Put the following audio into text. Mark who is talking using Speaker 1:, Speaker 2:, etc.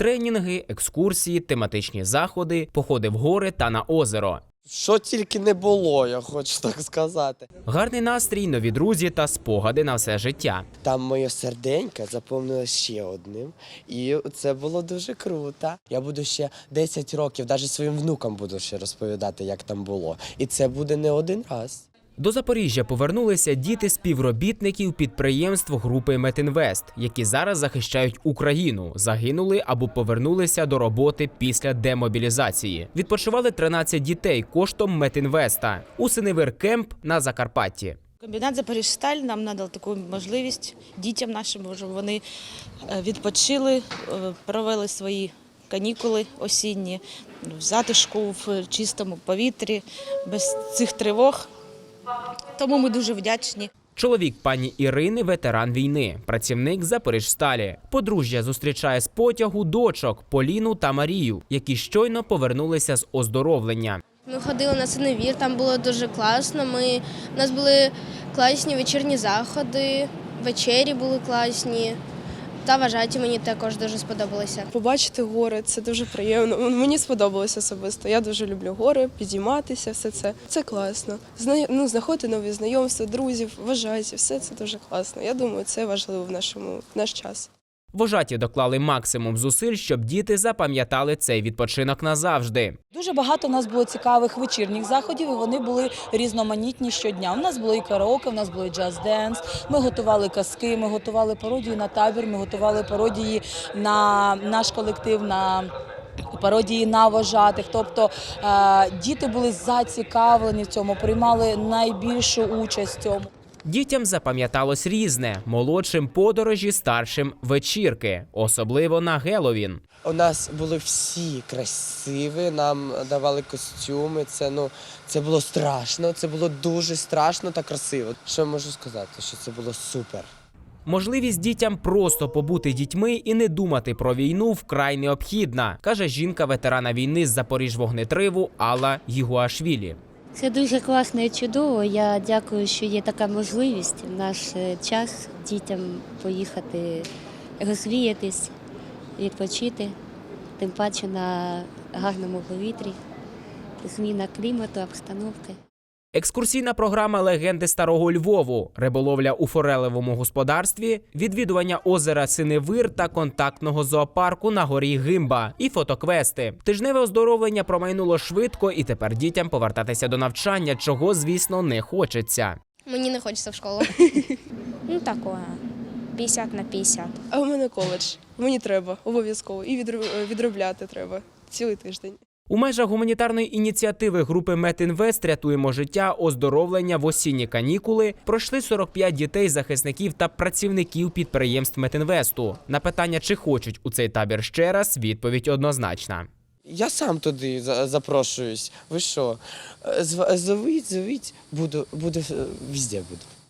Speaker 1: Тренінги, екскурсії, тематичні заходи, походи в гори та на озеро.
Speaker 2: Що тільки не було, я хочу так сказати.
Speaker 1: Гарний настрій, нові друзі та спогади на все життя.
Speaker 2: Там моє серденько заповнилося ще одним, і це було дуже круто. Я буду ще 10 років, навіть своїм внукам буду ще розповідати, як там було. І це буде не один раз.
Speaker 1: До Запоріжжя повернулися діти співробітників підприємств групи Метінвест, які зараз захищають Україну, загинули або повернулися до роботи після демобілізації. Відпочивали 13 дітей коштом Метінвеста у Синевир-Кемп на Закарпатті.
Speaker 3: Комбінат «Запоріжсталь» нам надав таку можливість дітям нашим, щоб вони відпочили, провели свої канікули осінні в затишку, в чистому повітрі, без цих тривог. Тому ми дуже вдячні.
Speaker 1: Чоловік пані Ірини – ветеран війни, працівник Запоріжсталі. Подружжя зустрічає з потягу дочок Поліну та Марію, які щойно повернулися з оздоровлення.
Speaker 4: Ми ходили на Синевір, там було дуже класно. У нас були класні вечірні заходи, вечері були класні. Та вважаті мені також дуже сподобалося.
Speaker 5: Побачити гори – це дуже приємно. Мені сподобалося особисто. Я дуже люблю гори, підійматися, все це. Це класно. Знаходити нові знайомства, друзів, вважаті, все це дуже класно. Я думаю, це важливо в наш час.
Speaker 1: Вожаті доклали максимум зусиль, щоб діти запам'ятали цей відпочинок назавжди.
Speaker 6: Дуже багато у нас було цікавих вечірніх заходів, і вони були різноманітні щодня. У нас було і караоке, у нас було і джаз-денс, ми готували казки, ми готували пародії на табір, ми готували пародії на наш колектив, на пародії на вожатих. Тобто діти були зацікавлені в цьому, приймали найбільшу участь в цьому.
Speaker 1: Дітям запам'яталось різне – молодшим подорожі, старшим вечірки, особливо на Геловін.
Speaker 2: У нас були всі красиві, нам давали костюми, це було страшно, це було дуже страшно та красиво. Що можу сказати, що це було супер.
Speaker 1: Можливість дітям просто побути дітьми і не думати про війну вкрай необхідна, каже жінка ветерана війни з Запоріжвогнетриву Алла Гігуашвілі.
Speaker 7: Це дуже класно і чудово. Я дякую, що є така можливість в наш час дітям поїхати розвіятись, відпочити, тим паче на гарному повітрі, зміна клімату, обстановки.
Speaker 1: Екскурсійна програма «Легенди Старого Львову», риболовля у форелевому господарстві, відвідування озера Синевир та контактного зоопарку на горі Гимба і фотоквести. Тижневе оздоровлення промайнуло швидко, і тепер дітям повертатися до навчання, чого, звісно, не хочеться.
Speaker 4: Мені не хочеться в школу.
Speaker 8: Такое, 50 на 50.
Speaker 5: А у мене коледж. Мені треба обов'язково. І відробляти треба цілий тиждень.
Speaker 1: У межах гуманітарної ініціативи групи Метінвест «Рятуємо життя. Оздоровлення в осінні канікули» пройшли 45 дітей, захисників та працівників підприємств Метінвесту. На питання, чи хочуть у цей табір ще раз, відповідь однозначна.
Speaker 2: Я сам туди запрошуюсь. Ви що? Зовіть, буду, везде буду.